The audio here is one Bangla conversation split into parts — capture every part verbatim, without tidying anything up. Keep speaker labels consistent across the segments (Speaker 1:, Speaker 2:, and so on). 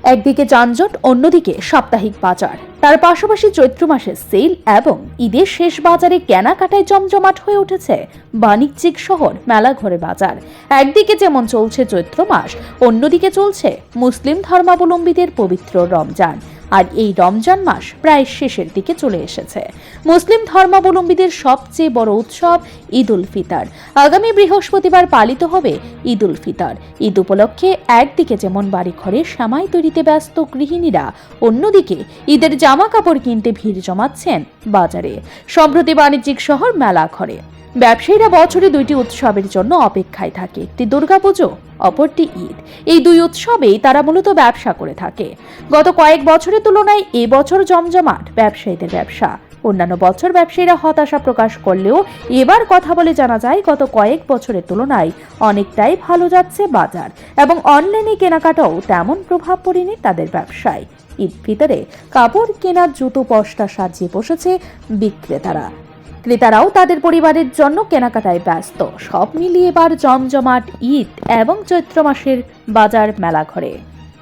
Speaker 1: একদিকে যানজট, অন্যদিকে সাপ্তাহিক বাজার, তার পাশাপাশি চৈত্র মাসের সেল এবং ঈদের শেষ বাজারে কেনাকাটায় জমজমাট হয়ে উঠেছে বাণিজ্যিক শহর মেলাঘরে বাজার। একদিকে যেমন চলছে চৈত্র মাস, অন্যদিকে চলছে মুসলিম ধর্মাবলম্বীদের পবিত্র রমজান। আর এই রমজান মাস প্রায় শেষের দিকে চলে এসেছে। মুসলিম ধর্মাবলম্বীদের সবচেয়ে বড় উৎসব ঈদ উল ফিতর। আগামী বৃহস্পতিবার পালিত হবে ঈদ উল ফিতর। ঈদ উপলক্ষে একদিকে যেমন বাড়ি ঘরে সামাই তৈরিতে ব্যস্ত গৃহিণীরা, অন্যদিকে ঈদের জামা কাপড় কিনতে ভিড় জমাচ্ছেন বাজারে। সম্প্রতি বাণিজ্যিক শহর মেলাঘরে ব্যবসায়ীরা বছরে দুইটি উৎসবের জন্য অপেক্ষায় থাকে, একটি দুর্গাপুজো, অপরটি ঈদ। এই দুই উৎসবেই তারা মূলত ব্যবসা করে থাকে। গত কয়েক বছরের তুলনায় এবছর জমজমাট ব্যবসায়ীদের ব্যবসা। অন্যান্য বছর ব্যবসায়ীরা হতাশা প্রকাশ করলেও এবার কথা বলে জানা যায় গত কয়েক বছরের তুলনায় অনেকটাই ভালো যাচ্ছে বাজার, এবং অনলাইনে কেনাকাটাও তেমন প্রভাব পড়েনি তাদের ব্যবসায়। ঈদ ফিতরে কাপড় কেনার জুতো পসরা সাজিয়ে বসেছে বিক্রেতারা। ক্রেতারাও তাদের পরিবারের জন্য কেনাকাটায় ব্যস্ত। সব মিলিয়ে এবার জমজমাট ঈদ এবং চৈত্র মাসের বাজার মেলাঘরে।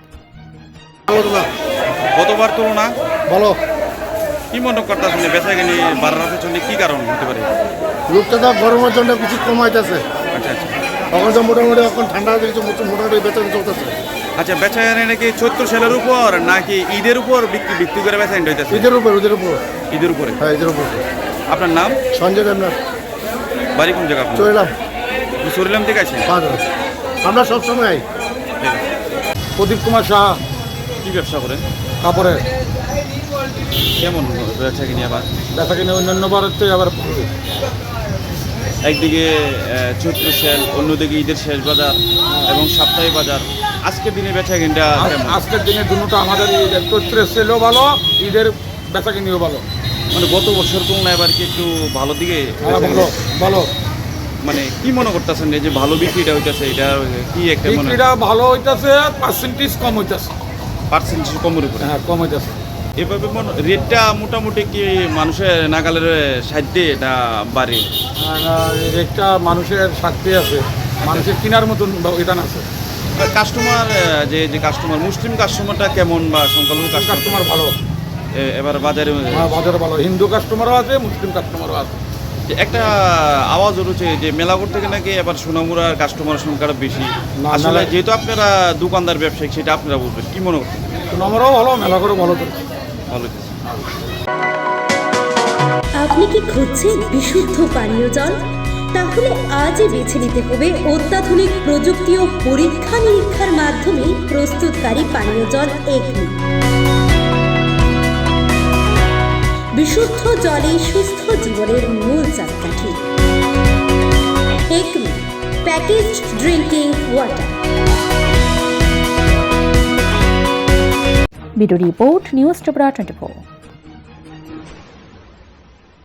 Speaker 2: গতবার তুলনা
Speaker 3: বলো
Speaker 2: কি মনে করতেছেন বেচাকেনি বাড়ার পেছনে কি কারণ হতে পারে?
Speaker 3: লোকটা তো গরমের জন্য কিছু কমাইতেছে।
Speaker 2: আচ্ছা আচ্ছা
Speaker 3: এখন তো মোটামুটি এখন ঠান্ডা কিছু মোটামুটি বেতন চলতেছে।
Speaker 2: আচ্ছা, বেচাকেনি নাকি চৈত্র সেলের উপর নাকি ঈদের উপর বিক্রি বিক্রি করে বেচাকেনি হইতেছে?
Speaker 3: ঈদের উপর ঈদের উপর
Speaker 2: ঈদের উপরে।
Speaker 3: হ্যাঁ ঈদের উপর।
Speaker 2: আপনার নাম?
Speaker 3: সঞ্জয় দেবনাথ।
Speaker 2: বাড়ি কোন জায়গা?
Speaker 3: চলিলাম
Speaker 2: চলিলাম থেকে আছেন?
Speaker 3: আমরা সবসময়
Speaker 4: প্রদীপ কুমার সাহা।
Speaker 2: কি ব্যবসা করেন?
Speaker 4: কাপড়ের।
Speaker 2: কেমন বেচাকেনি আবার?
Speaker 4: দেখা কিনে অন্যান্য বারের থেকে আবার
Speaker 2: একদিকে চৈত্র সেল, অন্যদিকে ঈদের শেষ বাজার এবং সাপ্তাহিক বাজার। আজকের দিনে বেচাকেনিটা কেমন?
Speaker 4: আজকের দিনে দুটো আমাদের ঈদের চৈত্রের সেলও ভালো, ঈদের বেচা কিনিও ভালো।
Speaker 2: মানে গত বছর তুলনায় এবার কি একটু ভালো দিকে
Speaker 4: ভালো ভালো
Speaker 2: মানে কি মনে করতেছেন যে ভালো বিক্রিটা হইতেছে? এটা কি একটা মনে
Speaker 4: বিক্রিটা ভালো হইতেছে, পার্সেন্টেজ কম হইতেছে।
Speaker 2: পার্সেন্টেজ কমের উপরে?
Speaker 4: হ্যাঁ কম হইতেছে।
Speaker 2: এভাবে মনে রেটটা মোটামুটি কি মানুষের নাগালের সাধ্যে এটা বাড়ে?
Speaker 4: রেটটা মানুষের স্বার্থে আছে, মানুষের কেনার মতন এটা আছে।
Speaker 2: কাস্টমার যে যে কাস্টমার মুসলিম কাস্টমারটা কেমন বা সংখ্যালঘু
Speaker 4: কাস্টমার ভালো
Speaker 2: এবার বাজারে?
Speaker 4: হ্যাঁ বাজারে ভালো, হিন্দু কাস্টমারও আছে, মুসলিম কাস্টমারও আছে।
Speaker 2: একটা আওয়াজ উঠেছে যে মেলাঘর থেকে নাকি এবার সোনামুড়ার কাস্টমারের সংখ্যাটা বেশি।
Speaker 4: না,
Speaker 2: আসলে
Speaker 4: মেলা-
Speaker 2: যেহেতু আপনারা দোকানদার ব্যবসায়িক, সেটা আপনারা বুঝবেন। কি মনে করছেন?
Speaker 4: সোনামুড়াও ভালো, মেলাঘরও ভালো চলছে।
Speaker 2: ভালো।
Speaker 5: আপনি কি খুঁজছেন বিশুদ্ধ পানীয় জল? তাহলে আজই বেছে নিতে হবে অত্যাধুনিক প্রযুক্তি ও পরীক্ষা নিরীক্ষার মাধ্যমে প্রস্তুতকারী পানীয় জল একমি। বিশুদ্ধ জলে সুস্থ জীবনের মূল চাকাঠি। Acme packaged drinking water.
Speaker 1: Bureau report, news Tripura twenty four.